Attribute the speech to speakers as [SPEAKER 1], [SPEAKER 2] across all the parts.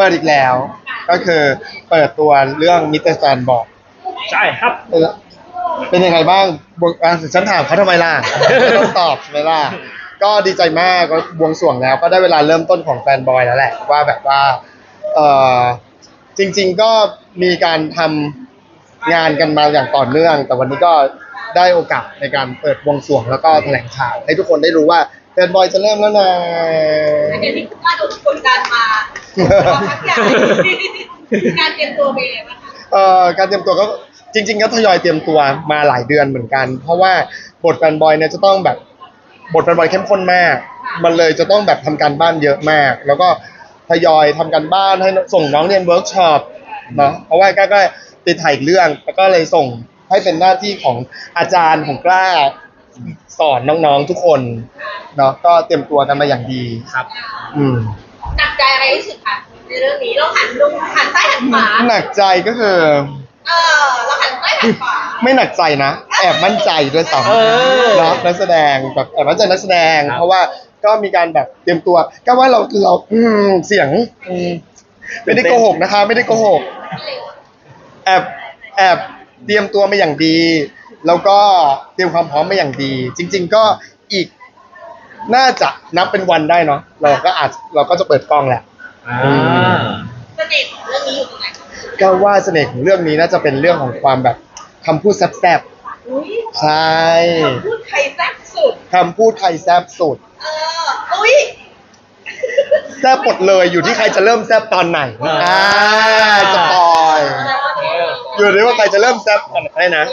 [SPEAKER 1] ปิดอีกแล้วก็คือเปิดตัวเรื่องมิสเตอร์แซนบอก
[SPEAKER 2] ใช่ครับ
[SPEAKER 1] เป็นยังไงบ้างฉันถามเขาทำไมล่ะต้องตอบใช่ไหมล่ะก็ดีใจมากก็บวงสรวงแล้วก็ได้เวลาเริ่มต้นของแฟนบอยแล้วแหละว่าแบบว่าเออจริงๆก็มีการทำงานกันมาอย่างต่อเนื่องแต่วันนี้ก็ได้โอกาสในการเปิดบวงสรวงแล้วก็แถลงข่าวให้ทุกคนได้รู้ว่าแฟนบอยจะเริ่มแล้วนะ
[SPEAKER 3] อันนี้คือว่าโดนกดดันมาพักใหญ่การเตรียมตัวเป็นยังไงบ้างคะ
[SPEAKER 1] การเตรียมตัวก็จริงๆก็ทยอยเตรียมตัวมาหลายเดือนเหมือนกันเพราะว่าบทแฟนบอยเนี่ยจะต้องแบบบทแฟนบอยเข้มข้นมากมันเลยจะต้องแบบทำการบ้านเยอะมากแล้วก็ทยอยทำการบ้านให้ส่งน้องเรียนเวิร์กช็อปเนาะเพราะว่าก็ติดถ่ายเรื่องแล้วก็เลยส่งให้เป็นหน้าที่ของอาจารย์ของกล้าสอนน้องๆทุกคนเนาะก็เตรียมตัวกันมาอย่างดี
[SPEAKER 2] ครับ
[SPEAKER 3] หนักใจอะไรที่สุดคะในเรื่องนี้เราหันซ้ายหันขวา
[SPEAKER 1] หนักใจก็คือ
[SPEAKER 3] เราหันซ้ายหันขวา
[SPEAKER 1] ไม่หนักใจนะแอบมั่นใจด้วยซ้ำเนาะนักแสดงแบบแอบมั่นใจนักแสดงเพราะว่าก็มีการแบบเตรียมตัวก็ว่าเราเสียงไม่ได้โกหกนะคะไม่ได้โกหกแอบเตรียมตัวมาอย่างดีแล้วก็เตรียมความพร้อมมาอย่างดีจริงๆก็อีกน่าจะนับเป็นวันได้เนาะเราก็จะเปิดกล้องแหละ
[SPEAKER 3] เสน่ห์ของเรื่องนี้อยู่ตรงไหน
[SPEAKER 1] ก็ว่าเสน่ห์ของเรื่องนี้น่าจะเป็นเรื่องของความแบบคำพูดแซ่บๆใช่
[SPEAKER 3] คำพูดใครแซ่บสุด
[SPEAKER 1] คำพูดใครแซ่บสุด
[SPEAKER 3] อุ้ย
[SPEAKER 1] แซ่บหมดเลยอยู่ที่ใครจะเริ่มแซ่บตอนไหนสปอยอยู่ที่ว่าใครจะเริ่มแซ่บตอนไหนนะ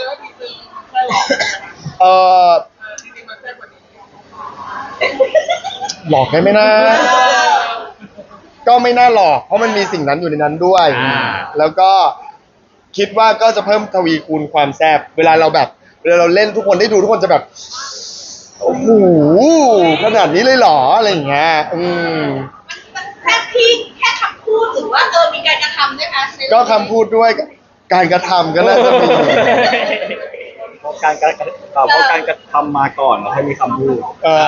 [SPEAKER 1] หลอกได้ไหมนะก็ไม่น่าหลอกเพราะมันมีสิ่งนั้นอยู่ในนั้นด้วยแล้วก็คิดว่าก็จะเพิ่มทวีคูณความแซ่บเวลาเราเล่นทุกคนได้ดูทุกคนจะแบบโอ้โหขนาดนี้เลยเหรออะไรอย่างเงี้ย
[SPEAKER 3] มันแค่ที่แค่คำพูดหรือว่ามีการกระทำด้วยคะ
[SPEAKER 1] ก็คำพูดด้วยการกระทำก็น่าจะมี
[SPEAKER 2] เพราะการกระทำมาก่อนแล้วให้มีคำพูด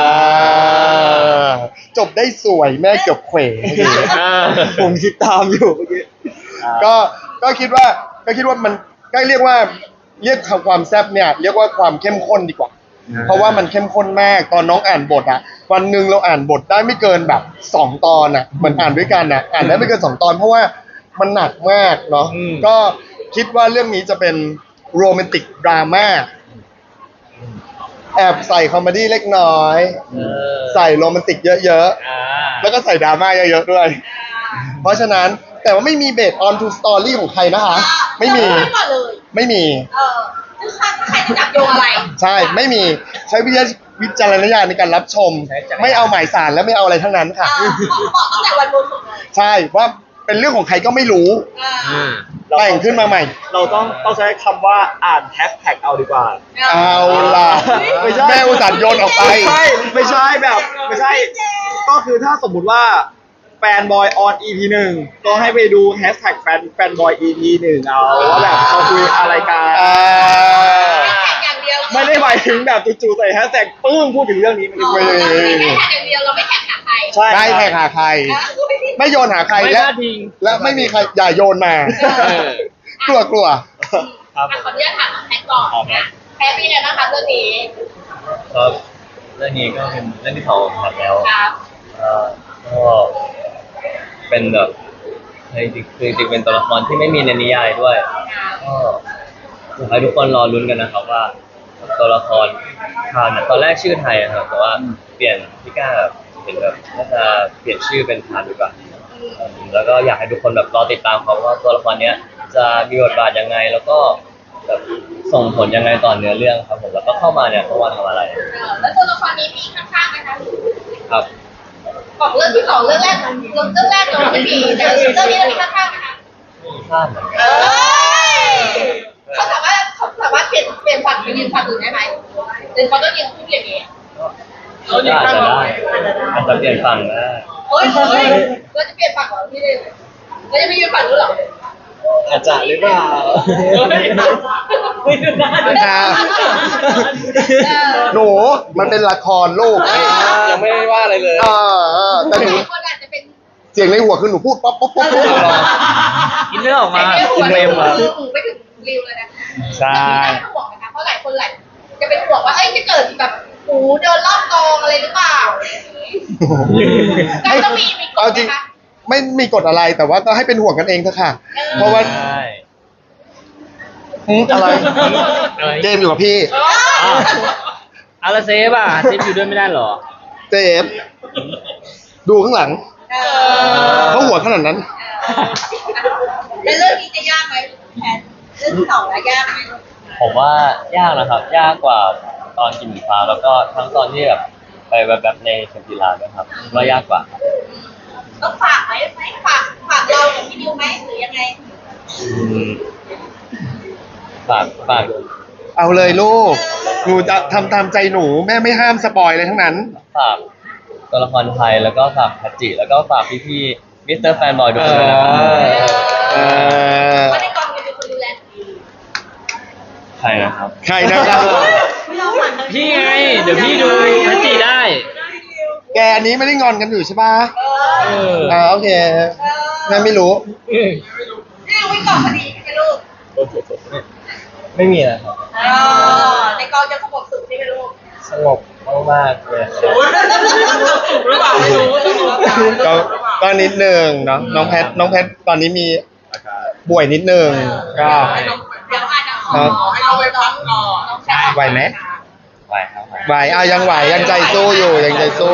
[SPEAKER 1] จบได้สวยแม่เกือบเขวผมคิดตามอยู่เมื่อกี้ก็คิดว่ามันก็เรียกความแซ่บเนี่ยเรียกว่าความเข้มข้นดีกว่าเพราะว่ามันเข้มข้นมากตอนน้องอ่านบทอ่ะวันนึงเราอ่านบทได้ไม่เกินแบบ2 ตอนอ่ะเหมือนอ่านด้วยกันอ่ะอ่านได้ไม่เกิน2 ตอนเพราะว่ามันหนักมากเนาะก็คิดว่าเรื่องนี้จะเป็นโรแมนติกดราม่าแอบใส่คอมเมดี้เล็กน้อยใส่โรแมนติกเยอะๆแล้วก็ใส่ดราม่าเยอะๆด้วยเพราะฉะนั้นแต่ว่าไม่มีเบสออนทูสตอรี่ของใครนะคะไม่มี
[SPEAKER 3] คือใครจะจับโยงอะไร
[SPEAKER 1] ใช่ไม่มีใช้วิจารณญาณในการรับชมไม่เอาหมายสารและไม่เอาอะไรทั้งนั้นค่ะ
[SPEAKER 3] บอกตั้งแต่วันบวงสรวง
[SPEAKER 1] ใช่ว่าเป็นเรื่องของใครก็ไม่รู้แต่งขึ้นมาใหม่
[SPEAKER 2] เราต้องใช้คำว่าอ่านแฮชแท็กเอาดีกว่า
[SPEAKER 1] เอาล่ะแม่อุตส่าห์โยนออกไป
[SPEAKER 2] ไม่ใช่ก็คือถ้าสมมุติว่าแฟนบอยออน EP 1ก็ให้ไปดูแฮชแท็กแฟนบอย EP 1เอาว่าแบบเขาคุยอะไรกันไม่ได้หมายถึงแบบจู่ๆใส่แฮชแท็กปึ้งพูดถึงเรื่องนี้ไม่ได้
[SPEAKER 3] แค่แท็กอย่างเดียวเราไม่แท็กหาใคร
[SPEAKER 1] ใช่แท็กหาใครไม่โยนหาใครและไม่มีใครอย่าโยนมากลัว
[SPEAKER 3] ขออนุญาตถามแพ็คก่อนนะแพ็คเป็นยังไงบ้างคะเรื่องนี้
[SPEAKER 4] ครับเรื่องนี้ก็เป็นเรื่องที่2ครับแล้วก็เป็นแบบจริงเป็นตัวละครที่ไม่มีในนิยายด้วยก็อยากให้ทุกคนรอลุ้นกันนะครับว่าตัวละครทานตอนแรกชื่อไทยครับแต่ว่าเปลี่ยนพี่ก้าเห็นแบบน่าจะเปลี่ยนชื่อเป็นทานดีกว่าแล้วก็อยากให้ทุกคนแบบรอติดตามเขาว่าตัวละครเนี้ยจะมีบทบาทยังไงแล้วก็แบบส่งผลยังไงต่อเนื้อเรื่องครับผมแล้วก็เข้ามาเนี่ยเขาว่าทำอะไร
[SPEAKER 3] แล้วตัวละครนี้มีข้างๆไหมคะ
[SPEAKER 4] ครับ
[SPEAKER 3] ของเรื่องที่2เรื่องแรกเราไม่มีแต่เรื่องนี้เรามีข้างๆไหมคะ
[SPEAKER 4] ข้าง
[SPEAKER 3] เขาสามารถเปลี่ยนฝั่งไปยืนฝั่งอื่นได้ไหมหรือเขาต้องยืนคู่อย่างนี้
[SPEAKER 4] อาจจะเปลี่ยนฝั่งได้
[SPEAKER 3] เราจะเปลี่ยนฝั่งเหรอพี่เลยเราจะไม่ยืนฝั่งนู้นหรอ
[SPEAKER 4] อาจจะหรือเปล่า
[SPEAKER 3] ไม่ดูได้
[SPEAKER 1] หนูมันเป็นละครลูก
[SPEAKER 4] ยังไม่ได้ว่าอะไรเลย
[SPEAKER 3] แต่คนอาจจะเป็น
[SPEAKER 1] เสียงในหัวคือหนูพูดป๊อปป๊อปป๊อป
[SPEAKER 4] อินเนอร์ออกมา
[SPEAKER 3] ไอ้หั
[SPEAKER 4] อิ
[SPEAKER 3] วน
[SPEAKER 4] เนอร์
[SPEAKER 3] หู
[SPEAKER 4] มา
[SPEAKER 3] หูไปถึงริวเลยนะ
[SPEAKER 2] ใช่
[SPEAKER 3] แต่ไม่น่าห่วงนะคะเพราะหลายคนจะเป็นห่วงว่าเอ้ยจะเกิดแบบหูเดินรอบกองอะไรหรือเปล่าก็ต้องมีกฎ
[SPEAKER 1] เอาจริง
[SPEAKER 3] นะคะ
[SPEAKER 1] ไม่มีกฎอะไรแต่ว่าก็ให้เป็นห่วงกันเองเถอะค่ะ เพราะว่า
[SPEAKER 4] ใช่
[SPEAKER 1] อะไร
[SPEAKER 4] อะไร
[SPEAKER 1] เจมส์อยู่กับพี่
[SPEAKER 4] อาราเซฟอ่ะเซฟอยู่ด้วยไม่ได้เหรอ
[SPEAKER 1] เจมส์ดูข้างหลัง
[SPEAKER 3] เอ
[SPEAKER 1] เขาหัวขนาดนั้น
[SPEAKER 3] แล้วเรื่องนี้จะยากไหมแพนเรื่องที่สองแล้วยากไหม
[SPEAKER 4] ผมว่ายากนะครับ ยากกว่าตอนกินหมูฟ้าแล้วก็ทั้งตอนที่แบบไปแบบในเทมพิลาด้วยครับว่ายากกว่าครับ
[SPEAKER 3] ต้องฝากไหมฝากเรากับพี่ดิวไหมหรือยังไง
[SPEAKER 4] ฝาก
[SPEAKER 1] เอาเลยลูก หนูจะทำตามใจหนูแม่ไม่ห้ามสปอยเลยทั้งนั้น
[SPEAKER 4] ฝากตัวละครไทยแล้วก็ฝากพัจจิแล้วก็ฝากพี่ๆมิสเตอร์แฟนบอยทุกคนด้วยนะครับ
[SPEAKER 1] เออ
[SPEAKER 3] เพราะในกองจะเป็นคนดูแลดี
[SPEAKER 4] ใครนะครับ
[SPEAKER 1] ใครนะครับ
[SPEAKER 4] พี่ไง เดี๋ยวพี่ดูพัจจิได้
[SPEAKER 1] แกอันนี้ไม่ได้งอนกันอยู่ใช่ปะ
[SPEAKER 4] เออ
[SPEAKER 1] โอเคแม่ไม่รู้
[SPEAKER 3] นี่วิ่งก่อนพอดีใช่ไหมลูก
[SPEAKER 4] ไม่มีนะครับ
[SPEAKER 3] ในกองจะสงบสุขใช่ไหมลูก
[SPEAKER 4] สงบมากๆเลยครับ
[SPEAKER 3] สุขหรือเปล่าไม่รู้
[SPEAKER 1] ก็นิดนึงเนาะน้องแพทตอนนี้มีป่วยนิดนึงก็
[SPEAKER 3] เดี๋ยวอาจจะขอให้เราไปพักก่อน
[SPEAKER 1] ไหวไหม
[SPEAKER 4] ไหวครับ
[SPEAKER 1] ไหวยังไหวยังใจสู้อยู่ยังใจสู้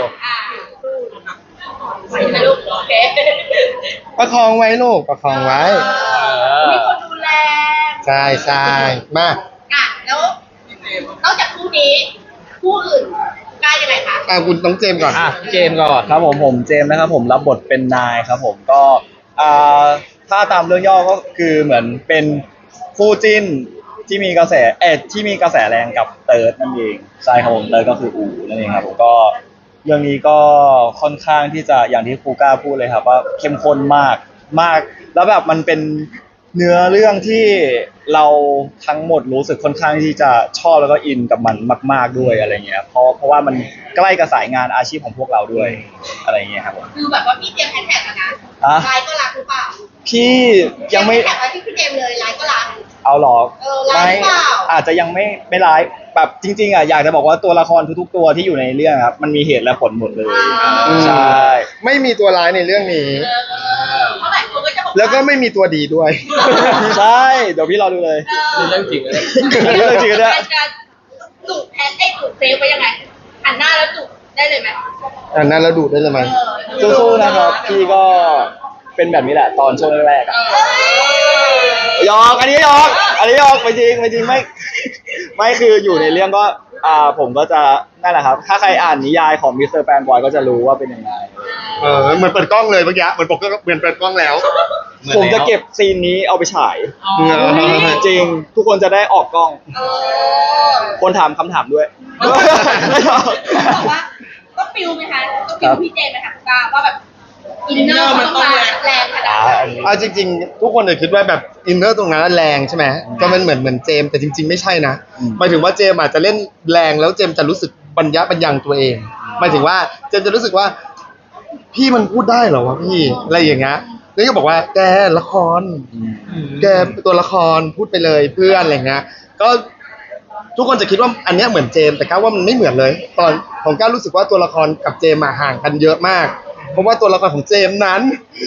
[SPEAKER 3] ใช่ไหมลูกโอเค
[SPEAKER 1] ประคองไว้ลูกประคองไว้
[SPEAKER 3] มีคนดูแล
[SPEAKER 1] ใช่มา
[SPEAKER 3] แล้วนอกจากคู่นี้คู่อื่นกล้ายังไงคะ
[SPEAKER 1] คุณต้องเจมส์ก่อน
[SPEAKER 4] อ่ะเจมส์ก่อน
[SPEAKER 2] ครับผมเจมส์นะครับผมรับบทเป็นนายครับผมก็อ่าถ้าตามเรื่องย่อก็คือเหมือนเป็นคู่จิ้นที่มีกระแสที่มีกระแสแรงกับเติร์ดนั่นเองใช่ครับผมเติร์ดก็คืออูนั่นเองครับผมก็เรื่องนี้ก็ค่อนข้างที่จะอย่างที่ครูก้าพูดเลยครับว่าเข้มข้นมากแล้วแบบมันเป็นเนื้อเรื่องที่เราทั้งหมดรู้สึกค่อนข้างที่จะชอบแล้วก็อินกับมันมากๆด้วยอะไรเงี้ยเพราะว่ามันใกล้กับสายงานอาชีพของพวกเราด้วยอะไรเงี้ยครับผม
[SPEAKER 3] คือแบบว่าพี่เจมส์แฮชแท็กนะไลน์ก็รักหรือเปล่า
[SPEAKER 2] พี่ยังไม่
[SPEAKER 3] แท็กไว้ที่พี่เจมส์เลยไลน์ก็รัก
[SPEAKER 2] เอาหรอ
[SPEAKER 3] ไลฟ์เปล่า
[SPEAKER 2] อาจจะยังไม่ไลฟ์แบบจริงๆอ่ะอยากจะบอกว่าตัวละครทุกๆตัวที่อยู่ในเรื่องครับมันมีเหตุและผลหมดเลยใช่
[SPEAKER 1] ไม่มีตัวร้ายในเรื่องนี้
[SPEAKER 3] เพราะหลายคนก็จะบอก
[SPEAKER 1] แล้วก็ไม่มีตัวดีด้วย
[SPEAKER 2] ใช่เดี๋ยวพี่รอดูเลย
[SPEAKER 4] นี่เรื่องจริงนะ
[SPEAKER 2] เรื่องจริงด้วย
[SPEAKER 3] จะจุดแทนจุดเซฟไว้ยังไงหันหน้าแล้วจุดได้เลยไหม
[SPEAKER 1] อันนั้นเราดูได้เลยไหม
[SPEAKER 2] สู้ๆนะครับพี่ก็เป็นแบบนี้แหละตอนช่วงแรกๆอะหยอกอันนี้หยอกไม่จริงไม่คืออยู่ในเรื่องก็ผมก็จะนั่นแหละครับ ถ้าใครอ่านนิยายของมิสเตอร์แฟนบอยก็จะรู้ว่าเป็นยังไง
[SPEAKER 1] เหมือนเปิดกล้องเลยเมื่อกี้เหมือนเปิดกล้องแล้ว
[SPEAKER 2] ผมจะเก็บซีนนี้เอาไปฉาย จริงทุกคนจะได้ออกกล้อง คนถามคำถามด้วย
[SPEAKER 3] บอกว่าก็ฟิลไหมคะก็ฟิลพี่เจมส์ไหมคะว่าแบบอินเนอร์มันต้องแรงขนาดไหน
[SPEAKER 1] เอาจริงๆ ทุกคนจะคิดว่าแบบอินเนอร์ตรงนั้นแรงใช่ไหมก็มันเหมือนเจมส์แต่จริงๆไม่ใช่นะหมายถึงว่าเจมส์อาจจะเล่นแรงแล้วเจมส์จะรู้สึกปัญญาปัญญังตัวเองหมายถึงว่าเจมส์จะรู้สึกว่า พี่มันพูดได้เหรอวะพี่อะไรอย่างเงี้ยนี่ก็บอกว่าแกละครแกตัวละครพูดไปเลยเพื่อนอะไรเงี้ยก็ทุกคนจะคิดว่าอันเนี้ยเหมือนเจมส์แต่ก้าวว่ามันไม่เหมือนเลย ตอนของก้าวรู้สึกว่าตัวละครกับเจมส์ห่างกันเยอะมากเพราะว่าตัวละครของเจมส์นั้น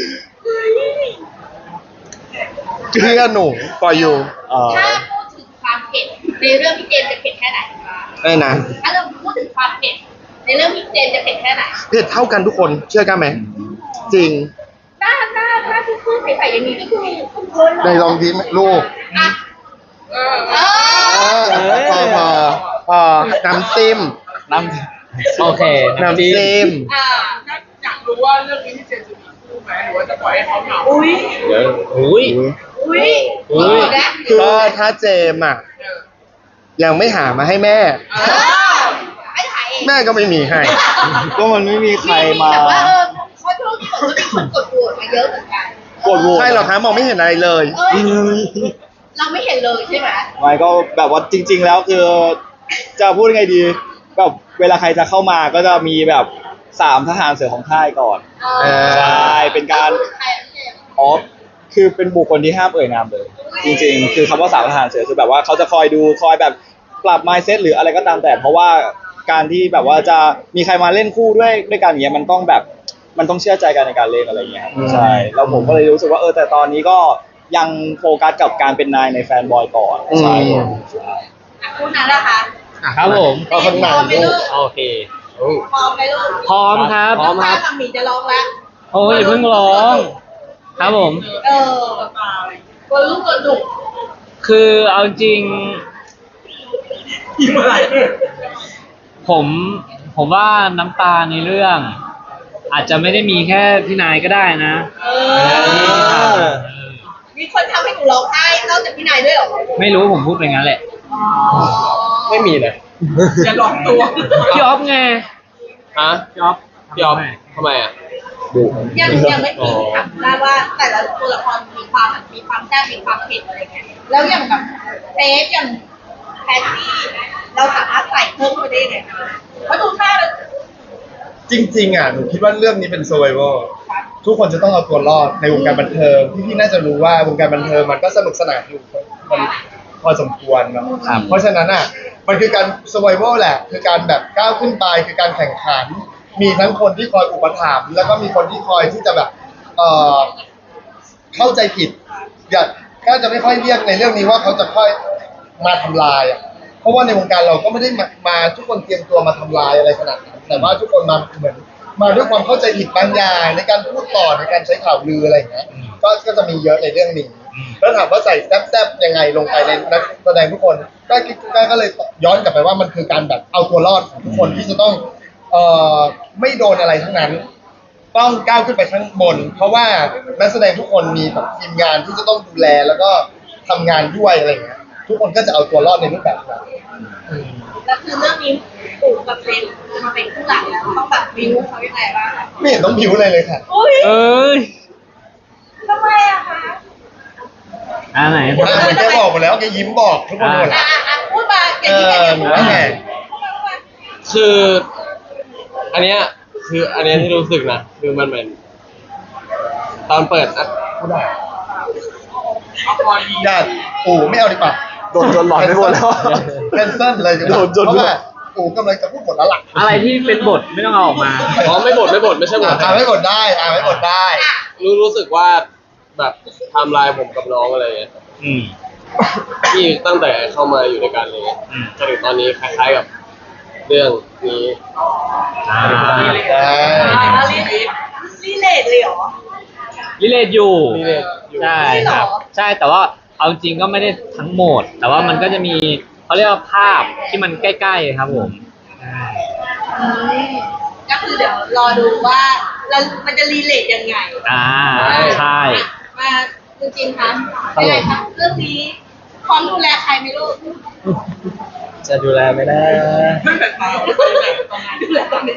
[SPEAKER 1] เพื่อนหนูปล่อยอยู่
[SPEAKER 3] ถ้าพูดถึงความเผ็ดในเรื่องพี่เจมส์จะเผ็ดแค่ไหน
[SPEAKER 1] ได้นะ
[SPEAKER 3] ถ้าเราพูดถึงความเผ็ดในเรื่องพี่เจมส์จะเผ็ดแค่ไหน
[SPEAKER 1] เผ็ดเท่ากันทุกคนเชื่อกันไหมจริง
[SPEAKER 3] หน้าซื่อๆใสๆอย่างนี้ก็คือคุณคน
[SPEAKER 1] ในลองทีลูก
[SPEAKER 3] อ่ะ
[SPEAKER 1] พอน้ำจิ้ม
[SPEAKER 2] น้
[SPEAKER 4] โอเค
[SPEAKER 1] น้ำจิ้ม
[SPEAKER 3] อยากรู้ว่าเรื่องนี้พี่เจมส์จะมีคู่ไหมหรือว่าจะปล่อยให้เขาเหงาอุ้ย
[SPEAKER 4] เดี๋ยวอุ้ย
[SPEAKER 1] ก็ถ้าเจมอ่ะยังไม่หามาให้แม่
[SPEAKER 3] ไม่ถ่ายเอง
[SPEAKER 1] แม่ก็ไม่มีให้
[SPEAKER 2] ำก็มันไม่มีใครมา
[SPEAKER 3] แต่ว่าเขาช่วงนี้ผมก็มีคนกดโหวตมาเยอะเหมือนกัน
[SPEAKER 2] กดโหวต
[SPEAKER 1] ใช่หรอคะมองไม่เห็นอะไรเลย
[SPEAKER 3] เอ้ยเราไม่เห็นเลยใช่ไหม
[SPEAKER 2] ไม่ก็แบบว่าจริง ๆ แล้วคือจะพูดยังไงดีแบบเวลาใครจะเข้ามาก็จะมีแบบ 3ทหารเสือของค่ายก่อน
[SPEAKER 3] เออ
[SPEAKER 2] ใช่เป็นการ
[SPEAKER 3] ใครอะพี่เจมส์
[SPEAKER 2] อ๋อคือเป็นบุคคลที่ห้ามเอ่ยนามเลย จริงๆ คือคำว่า3ทหารเสือคือแบบว่าเขาจะคอยดูคอยแบบปรับ mindset หรืออะไรก็ตามแต่ เพราะว่าการที่แบบว่าจะมีใครมาเล่นคู่ด้วยกันอย่างเงี้ยมันต้องแบบมันต้องเชื่อใจกันในการเล่นอะไรอย่างเงี้ยครับใช่แล้วผมก็เลยรู้สึกว่าแต่ตอนนี้ก็ยังโฟกัสกับการเป็นนายในแฟนบอยก่อนใช่ผมใช่
[SPEAKER 3] อ่ะคู่นั้นนะคะ
[SPEAKER 5] ครับผม
[SPEAKER 1] ก็ข้างใน
[SPEAKER 3] พร้อมไหม
[SPEAKER 1] ลู
[SPEAKER 3] ลู
[SPEAKER 1] ก
[SPEAKER 3] ก
[SPEAKER 5] โอเค
[SPEAKER 3] พร้อมไหมลูก
[SPEAKER 5] พร้อมครับ
[SPEAKER 3] น้ำตากับหมีจะร้องแล้ว
[SPEAKER 5] โอ้ยอย่าเพิ่งร้อง ครับผม
[SPEAKER 3] เออตัวลูกตัวดุ
[SPEAKER 5] คือเอาจริงผมผมว่าน้ำตาในเรื่อง อาจจะไม่ได้มีแค่พี่นายก็ได้นะ
[SPEAKER 3] เออมีคนทำให้หนูร้องไห้นอกจากพี่นายด้วยเหรอ
[SPEAKER 5] ไม่รู้ผมพูดไปงั้นแหละ
[SPEAKER 4] ไม่มีเลย
[SPEAKER 3] จะร้องตัว
[SPEAKER 5] พี่ออฟไง
[SPEAKER 4] ฮะ
[SPEAKER 5] พี่ออฟ
[SPEAKER 4] พี่ออฟทำไมอ่ะ
[SPEAKER 3] ยังไม่ถึงถามได้ว่าแต่ละตัวละครมีความแซ่บมีความเผ็ดอะไรเงี้ยแล้วอย่างแบบเซฟอย่างแพตตี้เราสามารถใส่เพิ่มไปได้ยังไงเพราะดูท่าแล้ว
[SPEAKER 1] จริงๆหนูคิดว่าเรื่องนี้เป็น survival ทุกคนจะต้องเอาตัวรอดในวงการบันเทิงพี่ๆน่าจะรู้ว่าวงการบันเทิงมันก็สนุกสนานอยู่มันพอสมควรเนาะเพราะฉะนั้นมันคือการ survival แหละคือการแบบก้าวขึ้นไปคือการแข่งขัน มีทั้งคนที่คอยอุปถัมภ์แล้วก็มีคนที่คอยที่จะแบบเข้าใจผิดก็จะไม่ค่อยเรียกในเรื่องนี้ว่าเขาจะค่อยมาทำลายเพราะว่าในวงการเราก็ไม่ได้มาทุกคนเตรียมตัวมาทำลายอะไรขนาดนั้นแต่ว่าทุกคนมาเหมือนมาด้วยความเข้าใจผิดบางอย่างในการพูดต่อในการใช้ข่าวลืออะไรอย่างเงี้ยก็จะมีเยอะในเรื่องนี้แล้วถามว่าใส่แซ่บๆยังไงลงไปในนักแสดงทุกคนก็เลยย้อนกลับไปว่ามันคือการแบบเอาตัวรอดของทุกคนที่จะต้องไม่โดนอะไรทั้งนั้น ต้องก้าวขึ้นไปข้างบน เพราะว่านักแสดงทุกคนมีแบบทีมงานที่จะต้องดูแลแล้วก็ทำงานด้วยอะไรอย่างเงี้ยทุกคนก็จะเอาตัวรอดในรูปแบบนั้น
[SPEAKER 3] แล้วคือเรื่องนี้ปู่กับเซนมาเป็นคู่หลักแล้วต้องแบบวิวเขายังไงบ้างคะ
[SPEAKER 1] ไม่เห็นต้องผิวอะไรเลยค่ะ
[SPEAKER 3] อุ้ย
[SPEAKER 5] เอ้ย
[SPEAKER 3] ทำไมอะคะ
[SPEAKER 5] ไหน
[SPEAKER 1] เหมือนแกบอกหมดแล้วแกยิ้มบอกทุกคนหมดแล้ว
[SPEAKER 3] พูดมาเก่งที่แกจะ
[SPEAKER 1] ห
[SPEAKER 3] พู
[SPEAKER 1] นู
[SPEAKER 3] ด
[SPEAKER 1] ว่าไง
[SPEAKER 4] คืออันเนี้ยที่รู้สึกนะคือมันเหมือนตอนเปิดนะ
[SPEAKER 1] ไม่ได้ญาติปู่ไม่เอาดีกว่า
[SPEAKER 2] โดนจนหลอนไปหมดแล้ว
[SPEAKER 1] แคนเซิลเลยดีกว่า
[SPEAKER 2] โดนจน
[SPEAKER 1] เพราะว่าปู่กำลังจะพูดหมดแล้วล่ะ
[SPEAKER 5] อะไรที่เป็นบทไม่ต้องเอาออกมา
[SPEAKER 4] อ๋อไม่บดไม่ใช่บด
[SPEAKER 1] ไม่กดได้ไม่กดได้
[SPEAKER 4] รู้สึกว่าแบบไทำลายผมกับน้องอะไรเงี้ย
[SPEAKER 5] อืม
[SPEAKER 4] ที่ตั้งแต่เข้ามาอยู่ในการเลย
[SPEAKER 5] อืม
[SPEAKER 4] จนถึงตอนนี้คล้ายๆกับเรื่องนี้
[SPEAKER 3] รีเลทเลยเหรอ
[SPEAKER 5] วิเลตอยู่
[SPEAKER 4] Relate อยู่
[SPEAKER 5] ใช่
[SPEAKER 3] จริงเหรอ
[SPEAKER 5] ครับ ใช่แต่ว่าเอาจริงก็ไม่ได้ทั้งหมด แต่ว่ามันก็จะมีเขาเรียกว่าภาพที่มันใกล้ๆครับผม
[SPEAKER 3] ก็คือเดี๋ยวรอดูว่ามันจะรีเลทยังไง
[SPEAKER 5] ใช่
[SPEAKER 3] มาจริงๆคะยังไงคะเรื่องนี้พร้อมดูแลใครไหมลูก
[SPEAKER 2] จะดูแลไหมนะ
[SPEAKER 3] ดูแลตอนนี้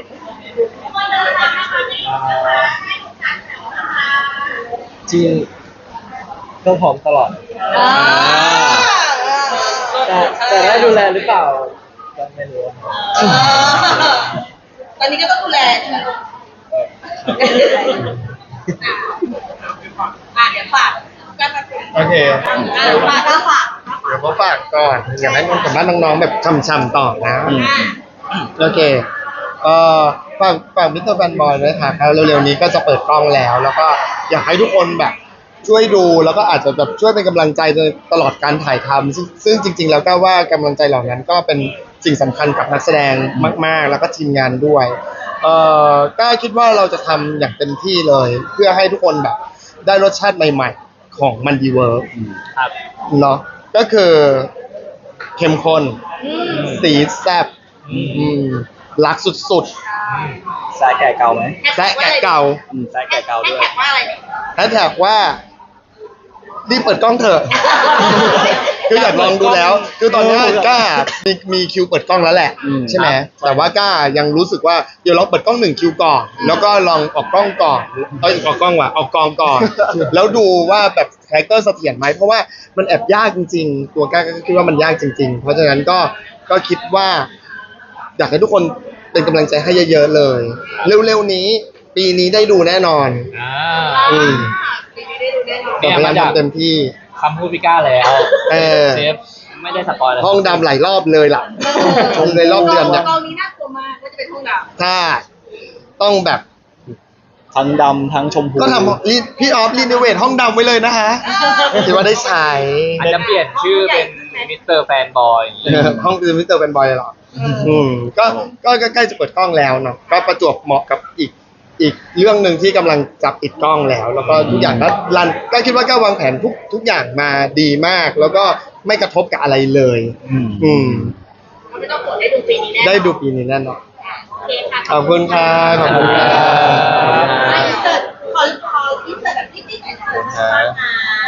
[SPEAKER 2] จริงก็พร้อมตลอด แต่ได้ดูแลหรือเปล่าก็ไม่รู้ครับ
[SPEAKER 3] ตอนนี้ก็ต้องดูแลใช่ไหมลูกเดี๋ยวฝากกันมาคุย
[SPEAKER 1] โอเค
[SPEAKER 3] ฝากก็ฝาก
[SPEAKER 1] เดี๋ยวเขาฝากก่อนอยากให้มันกับบ้านน้องๆแบบช่ำๆต่อนะ โอเคฝากมิสเตอร์แฟนบอยด้วยค่ะแล้วเร็วๆนี้ก็จะเปิดกล้องแล้ว แล้วก็อยากให้ทุกคนแบบช่วยดูแล้วก็อาจจะแบบช่วยเป็นกำลังใจตลอดการถ่ายทำซึ่งจริงๆแล้วก็ว่ากำลังใจเหล่านั้นก็เป็นสิ่งสำคัญกับนักแสดงมากๆ แล้วก็ทีมงานด้วยก็คิดว่าเราจะทำอย่างเต็มที่เลย เพื่อให้ทุกคนแบบได้รสชาติใหม่ๆของมันดีเวิร์ก
[SPEAKER 5] ครับ
[SPEAKER 1] เนาะก็คือเข้มข้นสีแซ่บรักสุด
[SPEAKER 2] สายแก่เก่าไหม
[SPEAKER 1] ๆแซะแกะเก่า
[SPEAKER 2] สายแก่เก่าด้วย
[SPEAKER 3] แท็กว่าอะไรเนี่ย
[SPEAKER 1] แฮชแท็กว่ารีบเปิดกล้องเถอะ คืออยากลองดูแล้ว คือตอนนี้ก้ามีคิวเปิดกล้องแล้วแหละ ใช่ไหมแต่ว่าก้ายังรู้สึกว่าเดี๋ยวลองเปิดกล้อง1 คิวก่อน แล้วก็ลองออกกล้องก่อนออกกล้องว่ะออกกองก่อน แล้วดูว่าแบบคาแรคเตอร์เสถียรไหมเพราะว่ามันแอบยากจริงๆ ตัวก้าก็คิดว่ามันยากจริง ๆ เพราะฉะนั้นก็คิดว่า อยากให้ทุกคนไปเป็นกำลังใจให้เยอะๆเลย เร็วๆนี้ ปีนี้ได้ดูแน่นอน
[SPEAKER 5] อ่า
[SPEAKER 1] อืม
[SPEAKER 3] ปีนี้ได้ดูแน่นอน
[SPEAKER 5] เนี่ย
[SPEAKER 1] พยายาม
[SPEAKER 5] มาจาก
[SPEAKER 1] ทำเต็มที่
[SPEAKER 5] คำพูดพี่ก้าแล้ว
[SPEAKER 1] เออ
[SPEAKER 5] เซฟไม่ได้สปอยเลย
[SPEAKER 1] ห้องดำหลายรอบเลยล่ะ ชมในรอบเดือนเนี่ย
[SPEAKER 3] กองนี้น่ากลัวมากว่าจะเป็นห้องดำ
[SPEAKER 1] ถ้าต้องแบบ
[SPEAKER 2] ทั้งดำทั้งชมพู
[SPEAKER 1] ก็ทำพี่ออฟรีโนเวทห้องดำไว้เลยนะคะคิดว่าได้ใช้
[SPEAKER 5] อาจจะเปลี่ยนชื่อเป็นมิสเตอร์แฟนบอย
[SPEAKER 1] ห้องคือมิสเตอร์เป็นบอยเลยเหรอก็ใกล้จะเปิดกล้องแล้วเนาะก็ประจวบเหมาะกับอีกเรื่องหนึ่งที่กำลังจับปิดกล้องแล้ว แล้วก็ทุกอย่างก็รันก็คิดว่าก็วางแผนทุกอย่างมาดีมาก แล้วก็ไม่กระทบกับอะไรเลย อืม
[SPEAKER 3] ไม่ต้องกดได้ดูปีนี้แน่นอน
[SPEAKER 1] ได้ดูปีนี้แน่นอน
[SPEAKER 3] โอเคค่ะ
[SPEAKER 1] ขอบคุณค่ะขอบคุณค่ะ
[SPEAKER 3] อินเสิร์ตขออินเสิร์ตแบบนิดๆหน่อยๆนะคะ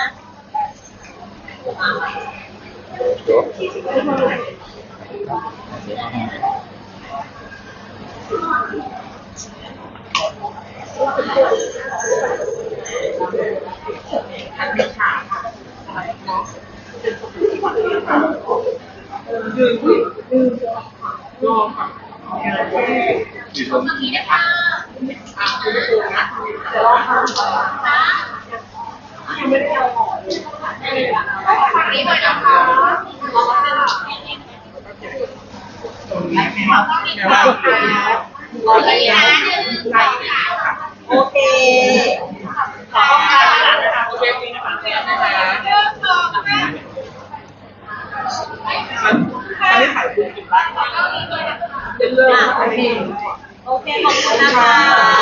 [SPEAKER 3] โอเคขอบคุณค่ะโอเคโอเคขอบคุณนะคะ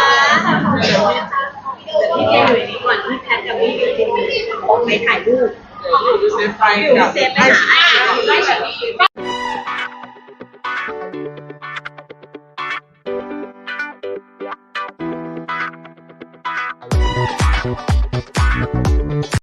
[SPEAKER 3] พี่เจอยู่นี้ก่อนที่แพทกับพี่อยู่ที่นี่ไปถ่ายรูปอยู่เซฟไปหาไอ้